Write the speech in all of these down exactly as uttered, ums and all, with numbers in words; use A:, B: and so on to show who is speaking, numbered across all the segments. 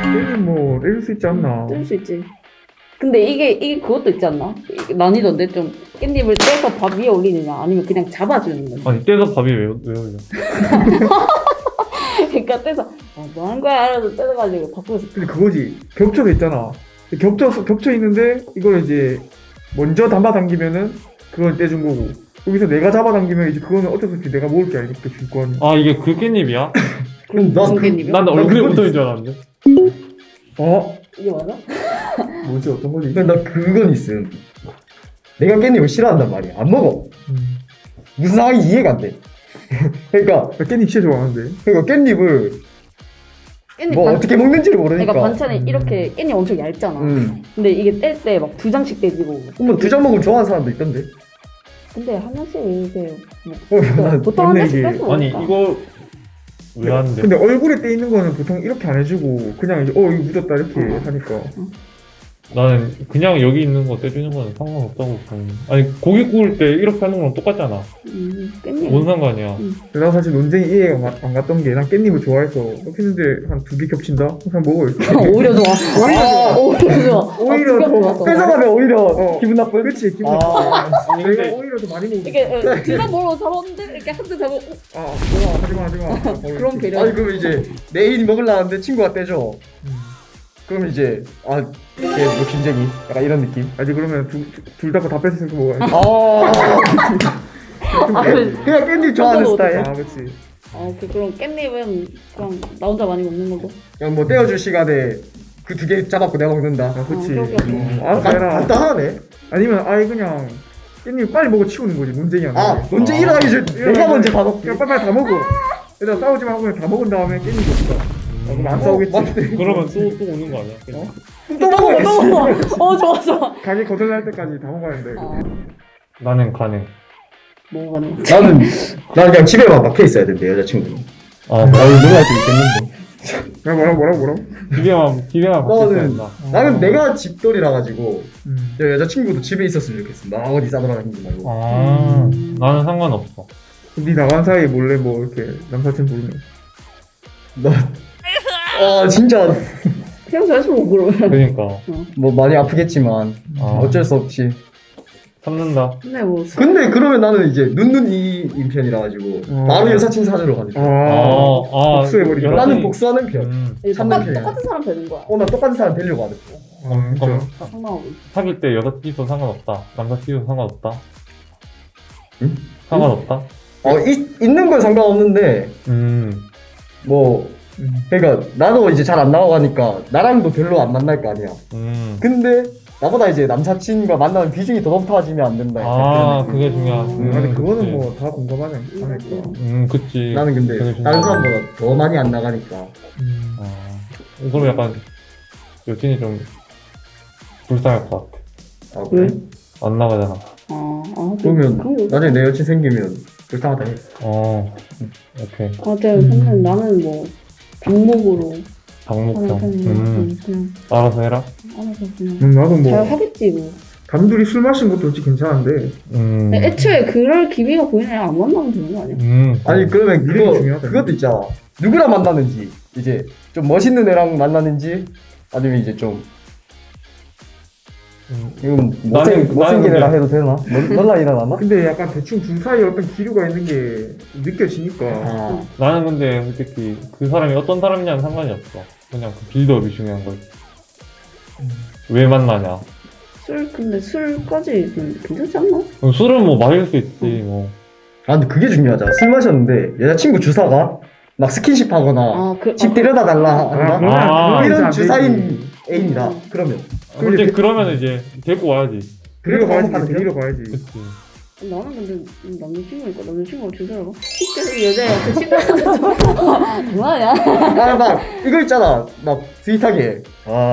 A: 깻잎 뭐 때릴 수 있지 않나?
B: 뜰 수 있지. 근데 이게 이게 그것도 있지 않나? 이게 난이도인데 좀 깻잎을 떼서 밥 위에 올리느냐 아니면 그냥 잡아주는 거냐.
C: 아니 떼서 밥이 왜, 왜 올려?
B: 그러니까 떼서 어, 뭐 하는 거야? 이러면서 떼서가지고 바꾸면서
A: 근데 그거지. 겹쳐져 있잖아. 겹쳐 겹쳐 있는데 이걸 이제 먼저 담아 당기면은 그걸 떼준 거고. 여기서 내가 잡아 당기면 이제 그거는 어쩔 수 없이 내가 먹을 게 아니겠다 줄 거 아니야.
C: 아 이게 그 깻잎이야?
B: 그럼
D: 나
B: 무슨
D: 그-
B: 깻잎이야?
C: 난 얼굴에
A: 그건
C: 붙어있는
A: 있어.
C: 줄 알았는데.
A: 어?
B: 이게 맞아?
A: 뭐지 어떤 거지?
D: 근데 나 그건 있음. 내가 깻잎을 싫어한단 말이야. 안 먹어.
A: 음.
D: 무슨 상황이 이해가 안 돼. 그러니까
A: 나 깻잎 진짜 좋아하는데.
D: 그러니까 깻잎을
B: 깻잎
D: 뭐
B: 반-
D: 어떻게 먹는지를 모르니까.
B: 그러니까 반찬에
A: 음.
B: 이렇게 깻잎 엄청 얇잖아.
D: 음.
B: 근데 이게 뗄 때 막 두 장씩 떼지고.
D: 한번 두 장 먹으면 좋아하는 사람도 있던데.
B: 근데 한 장씩 이렇게 뭐
D: 어, 난
B: 보통 한
A: 맞네,
B: 장씩
A: 이게.
B: 떼서
C: 아니
B: 먹으니까.
C: 이거 왜 하는데?
A: 근데 얼굴에 떼 있는 거는 보통 이렇게 안 해주고 그냥 이제 어 이거 묻었다 이렇게
B: 어.
A: 하니까.
C: 나는 그냥 여기 있는 거 떼주는 거는 상관없다고 보는. 아니 고기 구울 때 이렇게 하는 거랑 똑같잖아.
B: 음, 깻잎.
C: 뭔 상관이야?
A: 근데 나 사실 논쟁이 이해가 마- 안 갔던 게 난 깻잎을 좋아해서 이렇게 했는데 한 두 개 겹친다? 그냥 먹어 이렇게.
B: 오히려 좋아.
D: 아,
B: 오히려 좋아.
A: 오히려
B: 아,
A: 더
B: 두겹 좋았어.
D: 뺏어가면 오히려
A: 어.
D: 기분 나쁜.
A: 그치 기분
D: 아.
A: 나빠.
C: 아니,
A: 내가
C: 근데-
A: 오히려 더 많이 먹어.
B: 이게 어, 둘다 먹으러 잡았는데 이렇게 한 대 잡고 어,
A: 아 뭐야 하지마 하지마.
B: 그런 배려.
D: 아니 그럼 이제 내일 먹으려는데 친구가 떼줘. 그럼 이제 아걔뭐 김쟁이 약간 이런 느낌.
A: 아니 그러면 둘다 다 뺏어서 먹어야지.
D: 아,
B: 아, 그래.
D: 그냥 깻잎 좋아하는
B: 그거는
D: 스타일.
A: 아 그치.
B: 어, 그, 그럼 깻잎은 그냥 나 혼자 많이 먹는 거고.
D: 그냥 뭐 떼어줄 시간에 그 두 개 잡았고 내가 먹는다.
A: 아 그치.
B: 어, 그렇게
A: 어,
D: 아,
A: 알아서 해라.
D: 간단하네.
A: 아니면 아예 그냥 깻잎 빨리 먹어 치우는 거지 논쟁이 안
D: 아,
A: 나게.
D: 먼저
C: 아.
D: 일어나기 전에 내가 먼저 다 먹기.
A: 그냥 빨리빨리 다 먹어. 일단 싸우지 말고 그냥 다 먹은 다음에 깻잎 없어. 어, 그럼 안 싸우겠지.
D: 맞네.
C: 그러면 또, 또 오는 거 아니야?
A: 어?
D: 또 먹어.
B: 또 먹어. 어, 좋아, 좋아.
A: 가게 거절날 때까지 다 먹어야 된다 이거.
B: 아,
C: 나는 가능.
B: 뭐가 네
D: 나는 난 그냥 집에만 박혀 있어야 된대 여자친구는.
C: 아
D: 나는 놀랄 수 있겠는데.
A: 야 뭐라고 뭐라고 뭐라고?
C: 기계만 기계만 바뀌어야
D: 나는
C: 된다.
D: 나는 내가 집돌이라 가지고
A: 음.
D: 저 여자친구도 집에 있었으면 좋겠어. 나 어디 싸돌아다니지 말고.
C: 아
B: 음.
C: 나는 상관없어.
A: 네 나간 사이에 몰래 뭐 이렇게 남사친 부르면.
D: 나, 아 진짜
B: 그냥 저에서 뭐 그러면.
C: 그러니까
D: 뭐 많이 아프겠지만
C: 아,
D: 어쩔 수 없지.
C: 참는다.
B: 근데 뭐.
D: 근데 그러면 나는 이제 눈눈이인 편이라 가지고
A: 어.
D: 바로 여사친 사주러 가지.
A: 아.
C: 아, 아
A: 복수해버린다.
C: 여러
D: 나는
C: 가지-
D: 복수하는 편.
C: 음,
B: 이게
D: 참는
B: 똑같,
D: 편이야.
B: 똑같은 사람 되는 거야.
D: 어 나 똑같은 사람 되려고 하는 거.
A: 아 진짜.
C: 그럼
B: 다 상관하고.
C: 사귈 때 여자 끼도 상관없다. 남자 끼도 상관없다.
D: 응?
C: 상관없다.
D: 어 있, 있는 건 상관없는데
C: 음.
D: 뭐
A: 음.
D: 그러니까 나도 이제 잘 안 나와가니까 나랑도 별로 안 만날 거 아니야.
C: 음.
D: 근데 나보다 이제 남사친과 만나는 비중이 더 높아지면 안 된다. 약간
C: 아,
D: 그런 느낌.
C: 그게 중요하지.
A: 음, 근데 그거는
C: 그치.
A: 뭐 다 공감하네. 하니까.
C: 음, 그치.
D: 나는 근데
C: 그게 중요하지.
D: 다른 사람보다 더 많이 안 나가니까.
A: 음.
C: 아, 그럼 약간 여친이 좀 불쌍할 것 같아.
D: 아,
B: 왜?
D: 그래?
C: 안 나가잖아.
B: 아, 아,
D: 그러면
B: 그런 거.
D: 나중에 내 여친 생기면 불쌍하다 해.
C: 어, 오케이.
B: 아, 제가 근데 나는 뭐 방목으로
C: 방목형.
B: 하는 편이야.
C: 음,
B: 음, 그냥
C: 알아서 해라.
B: 알아서 그냥
A: 음, 나도
B: 잘
A: 뭐
B: 하겠지 뭐.
A: 단둘이 술 마신 것도 솔직히 괜찮은데
C: 음.
B: 근데 애초에 그럴 기미가 보이는 애안 만나면 되는 거 아니야?
C: 음.
D: 아니 그러면
A: 미래가
D: 그거
A: 중요하다.
D: 그것도 있잖아. 누구랑 만나는지 이제 좀 멋있는 애랑 만나는지 아니면 이제 좀
C: 음.
D: 이건
C: 나는-
D: 못생
C: 나는
D: 못생긴
C: 근데-
D: 애랑 해도 되나? 넌- 넌라 일어나나?
A: 근데 약간 대충 둘 사이에 어떤 기류가 있는 게 느껴지니까
D: 아,
C: 나는 근데 솔직히 그 사람이 어떤 사람이냐는 상관이 없어. 그냥 그 빌드업이 중요한 거지. 왜 만나냐.
B: 술 근데 술까지 좀 괜찮지 않나?
C: 그럼 술은 뭐 마실 수 있지 뭐.
D: 아 근데 그게 중요하잖아. 술 마셨는데 여자친구 주사가 막 스킨십 하거나
B: 아, 그,
D: 집
B: 아,
D: 데려다 달라
A: 아,
D: 한다?
A: 그러면
C: 아,
A: 그건 이제
D: 이런
A: 안 되지.
D: 주사인 애인이다.
B: 음.
D: 그러면
C: 솔직히
A: 데-
C: 그러면 이제 데리고 와야지.
A: 데리러 가야지
D: 하는
A: 데리러 가야지.
C: 그치.
B: 나는 근데 남자친구니까 남자친구가 주사라고? 실제로 여자애한테 친구한테 장난이야?
D: 아 막 이거 있잖아. 막 스윗하게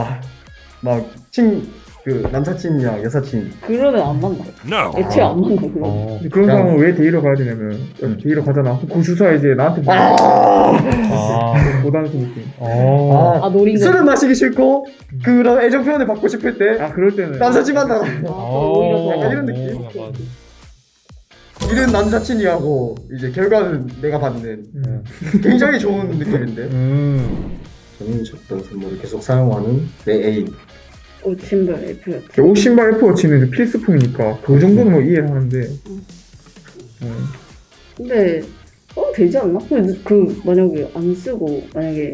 D: 아막친그 남사친이랑 여사친
B: 그러면 안 만나. 애초에 안 만나 그러면.
C: 어.
A: 근데 그런
D: 그냥-
A: 상황은 왜 데리러 가야 되냐면
D: 음.
A: 데리러 가잖아. 그 주사 이제 나한테 뭐
C: 아.
A: 보다는 느낌.
C: 어.
B: 아 노린 거.
D: 술은 마시기 싫고 그런 애정 표현을 받고 싶을 때
A: 아 그럴 때는
D: 남사친 만나라.
B: 아, 오히려 더.
D: 약간 이런 느낌?
C: 어, 약간.
D: 이런 남사친이하고 이제 결과는 내가 받는
A: 음.
D: 굉장히 좋은 느낌인데.
C: 음.
D: 본인이 줬던 선물을 계속 사용하는 내 애인.
B: 옷 신발 F였지.
A: 옷 신발 애플워치는 이제 필수품이니까 그 정도는 뭐 이해를 하는데. 음.
B: 근데 어 되지 않나? 그, 그 만약에 안 쓰고 만약에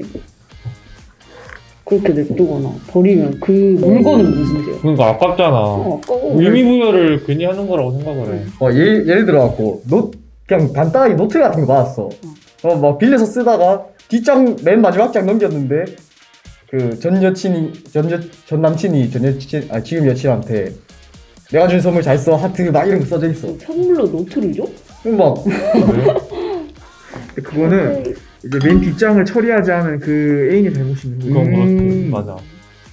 B: 그렇게 냅두거나 버리면 그 물건은 무슨 죄야?
C: 그러니까 아깝잖아.
B: 어, 아까워.
C: 의미부여를 괜히 하는 거라고 생각을 해.
D: 어, 예를, 예를 들어갖고, 노, 그냥 간단하게 노트 같은 거 받았어. 어, 막 빌려서 쓰다가 뒷장 맨 마지막 장 넘겼는데, 그 전 여친이, 전, 여, 전 남친이 전 여친, 아, 지금 여친한테 내가 준 선물 잘 써, 하트 막 이런 거 써져 있어.
B: 선물로 노트를 줘?
D: 그럼 막,
A: 근데 그거는 이제 맨 뒷장을 처리하지 않은 그 애인이 잘못이 있는 거야.
C: 그건
A: 음.
C: 그렇고 맞아.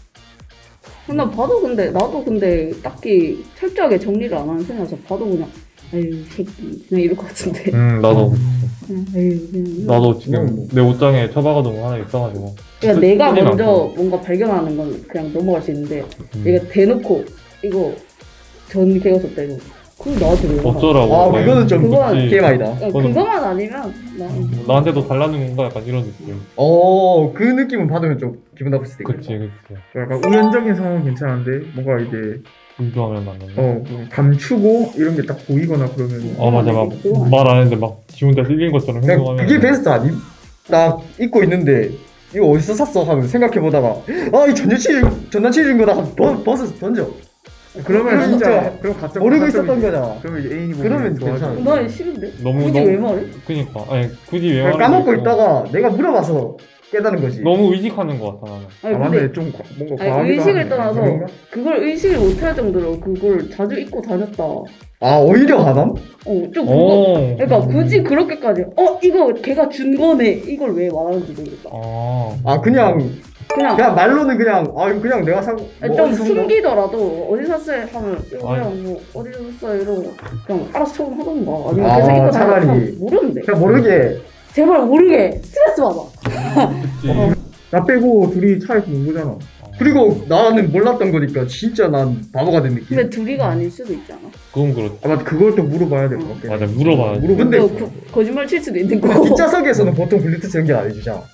B: 나 봐도 근데 나도 근데 딱히 철저하게 정리를 안 하는 편이라서 봐도 그냥 아유 새끼 그냥 이럴 것 같은데.
C: 음 나도
B: 그냥 아유 그냥
C: 나도 지금
D: 음.
C: 내 옷장에 처박아둔 거 하나 있어가지고.
B: 그냥
C: 쓰-
B: 내가
C: 쓰진
B: 먼저
C: 않고.
B: 뭔가 발견하는 건 그냥 넘어갈 수 있는데
C: 음.
B: 얘가 대놓고 이거 전 걔가 썼다 이거 그럼 나한테 왜 말하?
C: 어쩌라고.
D: 아, 그거는 좀
B: 그건
C: 그치.
D: 케이엠아이다.
B: 야,
C: 그거는-
B: 그거만 아니면 나
C: 뭐 나한테도 달라는 건가 약간 이런 느낌.
D: 어, 그 느낌은 받으면 좀 기분 나쁠 수도 있겠다.
C: 그치 그치.
A: 약간 우연적인 상황은 괜찮은데 뭔가 이제
C: 불교하면 맞는데.
A: 어 감추고 이런 게 딱 보이거나 그러면
C: 어 맞아 막
B: 그건
C: 말 안 했는데 막 지 혼자 찔린 것처럼
D: 그냥
C: 행동하면.
D: 그게 베스트 아님? 딱 입고 있는데, 이거 어디서 샀어? 하면 생각해보다가, 아, 이 전 여친, 전 남친 준 거다. 벗, 벗어서 던져.
A: 그러면
D: 그럼
A: 진짜
D: 진짜
A: 그럼 가짜
D: 모르고
A: 가짜이지.
D: 있었던 거잖아.
A: 그러면 이제 애인이
D: 그러면
A: 보면 좋아하지.
D: 괜찮아.
B: 나 싫은데
C: 너무
B: 굳이
C: 너무
B: 왜 말해?
C: 그니까 아니 굳이 왜
D: 그냥
C: 말하는
D: 까먹고
C: 거 있고.
D: 있다가 내가 물어봐서 깨달은 거지.
C: 너무 의식하는 것 같아 나는.
B: 아니
A: 아
B: 근데
A: 맞네 좀 과- 뭔가
B: 아니,
A: 과하기도
B: 의식을
A: 하네.
B: 떠나서
A: 그런가?
B: 그걸 의식을 못할 정도로 그걸 자주 입고 다녔다. 어,
D: 아, 오히려 하남?
B: 좀 그거.
C: 오.
B: 그러니까 굳이 그렇게까지 어 이거 걔가 준 거네 이걸 왜 말하는지 모르겠다.
C: 아.
D: 아, 그냥,
B: 그냥
D: 그냥 말로는 그냥, 아, 이거 그냥 내가 산,
B: 아니,
D: 뭐
B: 좀
D: 어디서 산 거?
B: 숨기더라도 어디 샀어요 하면 이거
C: 아니.
B: 그냥 뭐 어디서 샀어요 이러고 그냥 알아서 처분하던가 아니면
D: 아,
B: 계속 입고
D: 차라리.
B: 다니면 모르는데
D: 그냥 모르게.
B: 제발 모르게 스트레스 받아.
C: 그치.
A: 나 빼고 둘이 차에서 논 거잖아.
D: 그리고 나는 몰랐던 거니까 진짜 난 바보가 된 느낌.
B: 근데 둘이가 아닐 수도 있잖아.
C: 그건 그렇지.
A: 아 맞다 그걸 또 물어봐야 될 것 같긴 해.
C: 맞아 물어봐야지.
A: 물어보-
B: 근데
D: 근데
B: 그, 거짓말 칠 수도 있는 거고.
D: 뒷좌석에서는 보통 블루투스 연결 안 해주잖아.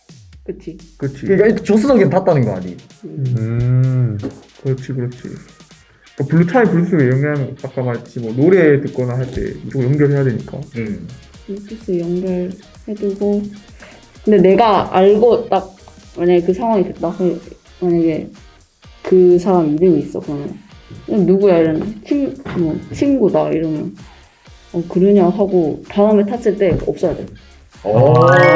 B: 그치.
A: 그렇지.
D: 그러니까 조수석엔 탔다는 거 아니?
B: 음.
C: 음.
A: 그렇지 그렇지. 그러니까 블루타입 블루투스에 연결하면 아까 말했지 뭐 노래 듣거나 할 때 무조건 연결해야 되니까.
D: 응.
B: 블루투스 연결해두고 근데 내가 알고 딱 만약에 그 상황이 됐다 그- 만약에 그 사람 이름이 있어 그러면 그냥 누구야 이러면 친, 뭐, 친구다 이러면 어 그러냐 하고 다음에 탔을 때 없어야 돼.
D: 어.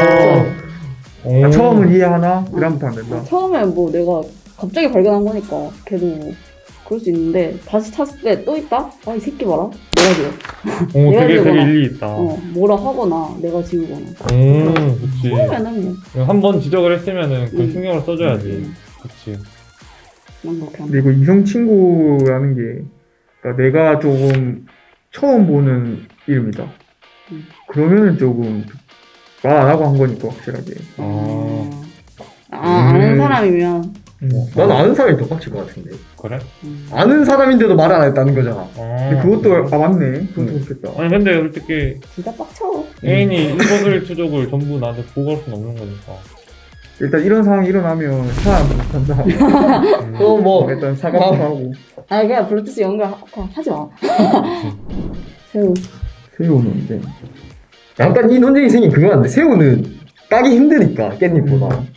C: 오.
A: 아, 처음은 이해하나 그다음부터 안 된다.
B: 처음에 뭐 내가 갑자기 발견한 거니까 걔도 뭐 그럴 수 있는데 다시 탔을 때 또 있다? 아 이 새끼 봐라 내가 지워
C: 오
B: 내가
C: 되게 되게
B: 지우거나.
C: 일리 있다.
B: 어 뭐라 하거나 내가 지우거나
C: 음 그치.
B: 처음에는 뭐
C: 한 번 지적을 했으면은 그
B: 음.
C: 신경을 써줘야지.
B: 음.
C: 그치.
B: 난 그렇게
A: 근데
B: 한다.
A: 이거 이성 친구라는 게 그러니까 내가 조금 처음 보는 이름이다.
B: 음.
A: 그러면은 조금 말 안 하고 한 거니까 확실하게.
C: 아
B: 아 아는
A: 음.
B: 사람이면
D: 난 아는 사람이 더 빡칠 것 같은데.
C: 그래?
B: 음.
D: 아는 사람인데도 말을 안 했다는 거잖아.
C: 아.
A: 근데 그것도 아 맞네. 그것도
D: 음.
A: 그렇겠다.
C: 아니 근데 솔직히
B: 진짜 빡쳐.
C: 애인이 일거수일투족을 전부 나한테 보고할 수는 없는 거니까.
A: 일단 이런 상황이 일어나면 사람 못한다.
C: 음.
D: 또 뭐,
A: 일단 사과도 하고
B: 아 그냥 블루투스 연결 하- 그냥 하지 마. 새우.
A: 새우는 이제
D: 약간 이 논쟁이 생긴 그거 같은데, 새우는 따기 힘드니까, 깻잎보다.
A: 음.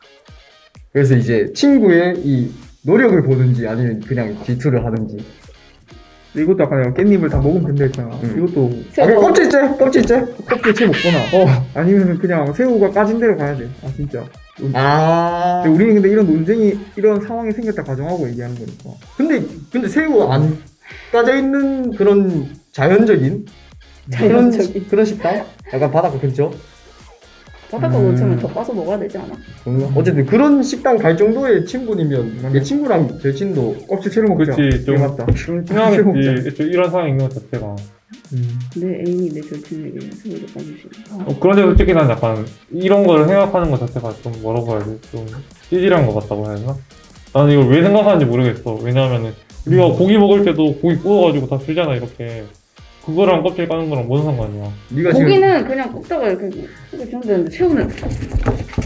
D: 그래서 이제 친구의 이 노력을 보든지 아니면 그냥 질투를 하든지.
A: 근데 이것도 아까 내가 깻잎을 다 먹으면 된다 했잖아.
D: 음.
A: 이것도
D: 아,
B: 새우.
D: 그냥 껍질째? 껍질째?
A: 껍질 채 먹거나
D: 어.
A: 아니면 그냥 새우가 까진 대로 가야 돼. 아 진짜.
D: 아.
A: 근데 우리는 근데 이런 논쟁이 이런 상황이 생겼다 가정하고 얘기하는 거니까.
D: 근데, 근데 새우 안 까져 있는 그런 자연적인? 그런,
B: 자연적인.
D: 그런 식당? 약간 바닷가 근처?
B: 바닷가
C: 음.
B: 근처면 더 까서 먹어야 되지 않아?
D: 뭔가? 어쨌든 그런 식당 갈 정도의 친분이면 내 친구랑 절친도
A: 껍질 채로 먹자.
C: 그치, 좀-
A: 이게 맞다.
C: 좀 친하겠지. 좀 이런 상황이 있는 것 자체가.
A: 음.
B: 내 애인이 내 절친에게 새우를 까주시네.
C: 어, 그런데 솔직히 난 약간 이런 걸 생각하는 것 자체가 좀 뭐라고 해야 돼? 좀 찌질한 것 같다고 해야 되나? 나는 이걸 왜 생각하는지 모르겠어. 왜냐하면은 우리가 고기 먹을 때도 고기 구워가지고 다 주잖아 이렇게. 그거랑 껍질 까는 거랑 뭔 상관이야?
D: 네가 지금
B: 고기는 그냥 굽다가 이렇게 이렇게 주면 되는데 새우는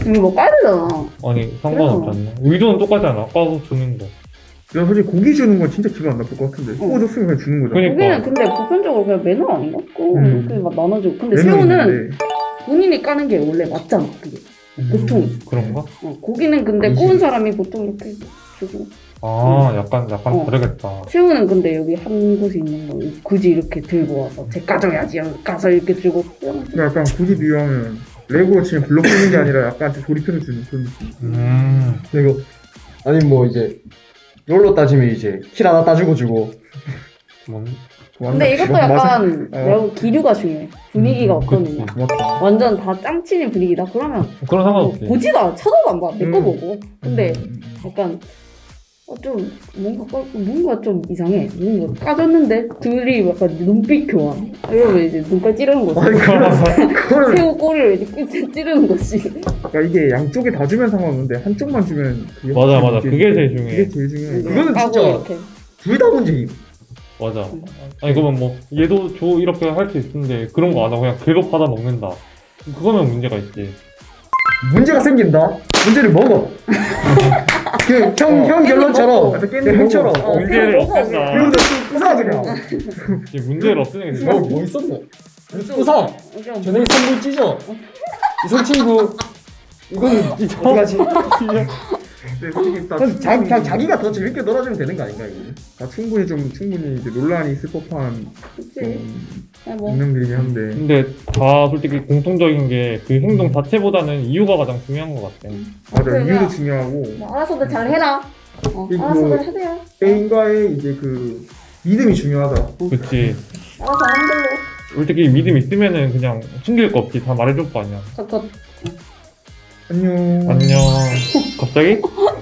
B: 이거 뭐 까야 되잖아.
C: 아니 상관없지 않나? 의도는 똑같잖아. 아까도 주는 거.
A: 난 솔직히 고기 주는 건 진짜 기분 안 나쁠 것 같은데.
B: 어.
A: 구워줬으면 그냥 주는 거잖아.
C: 그러니까.
B: 고기는 근데 보편적으로 그냥 매너 아닌가? 꼭
A: 음.
B: 이렇게 막 나눠주고. 근데
A: 매너는
B: 새우는
A: 있는데.
B: 본인이 까는 게 원래 맞잖아. 그게. 보통.
C: 그런가?
B: 어, 고기는 근데
A: 음식.
B: 구운 사람이 보통 이렇게 주고.
C: 아 약간 약간
B: 어.
C: 다르겠다.
B: 새우는 근데 여기 한 곳에 있는 거 굳이 이렇게 들고 와서 제 까줘야지 하고 까서 이렇게 주고.
A: 근데 약간 굳이 비유하면 레고로 치면 블록 주는 게 아니라 약간 좀 조립해서 주는 그런 느낌.
C: 음.
D: 이거 아니 뭐 이제 롤로 따지면 이제 킬 하나 따주고 주고
C: 뭔?
B: 근데 이것도
A: 맛은-
B: 약간
A: 어.
B: 내가 기류가 중요해. 분위기가
C: 음,
B: 어떠느냐.
C: 그치.
A: 고맙다.
B: 완전 다 짱치는 분위기다. 그러면
C: 그런 상관없지.
B: 뭐 보지도 않아. 쳐다도 안 봐. 내 거
A: 음.
B: 보고. 근데
A: 음.
B: 약간 어, 좀 뭔가 까- 뭔가 좀 이상해. 뭔가 까졌는데 둘이 약간 눈빛 교환. 이러면 이제 눈깔 찌르는 거지.
A: 아니 그거는
B: 새우 꼬리를 이제 끝에 찌르는 거지.
A: 그러니까 이게 양쪽에 다 주면 상관없는데 한쪽만 주면 그게
C: 맞아,
A: 확실히
C: 맞아. 그게 제일 중요해.
A: 그게 제일 중요해.
D: 그거는
B: 까고
D: 진짜-
B: 이렇게.
D: 둘 다 문제임.
C: 맞아. 아니 그러면 뭐 얘도 줘 이렇게 할 수 있는데 그런 거 안 하고 그냥 계속 받아 먹는다. 그거면 문제가 있지.
D: 문제가 생긴다. 문제를 먹어. 그형 형
B: 깻잎
D: 결론처럼
B: 먹고.
A: 깻잎
D: 그 형처럼
B: 먹어. 어,
C: 문제를
B: 그냥 먹어,
C: 없앤다.
D: 그런데 또 부사 그냥.
C: 이제 문제를 없애는 게
D: 뭐,
C: 중요해.
D: 뭐 있었노? 부사.
B: 그냥
D: 전에 선물 찢어. 이성 친구. 이거는 어떡하지?
A: 근데 솔직히 다
D: 그냥 자,
A: 충분히,
D: 그냥 자기가 더 재밌게 놀아주면 되는 거 아닌가 이거?
A: 다 충분히 좀 충분히 이제 논란이 있을 법한
B: 그치.
A: 좀
B: 그냥 뭐
A: 운명들이긴 한데
C: 근데 다 솔직히 공통적인 게 그 행동 자체보다는 이유가 가장 중요한 것 같아.
A: 맞아
B: 그래,
A: 이유도
B: 그냥-
A: 중요하고
B: 뭐 알아서들 잘 해라. 어,
A: 이거
B: 알아서들 하세요.
A: 애인과의 이제 그 믿음이 중요하다.
C: 그치.
B: 알아서 하는 걸로.
C: 솔직히 믿음 있으면은 그냥 숨길 거 없이 다 말해줄 거 아니야.
B: 컷컷.
A: 안녕.
C: 안녕. 갑자기?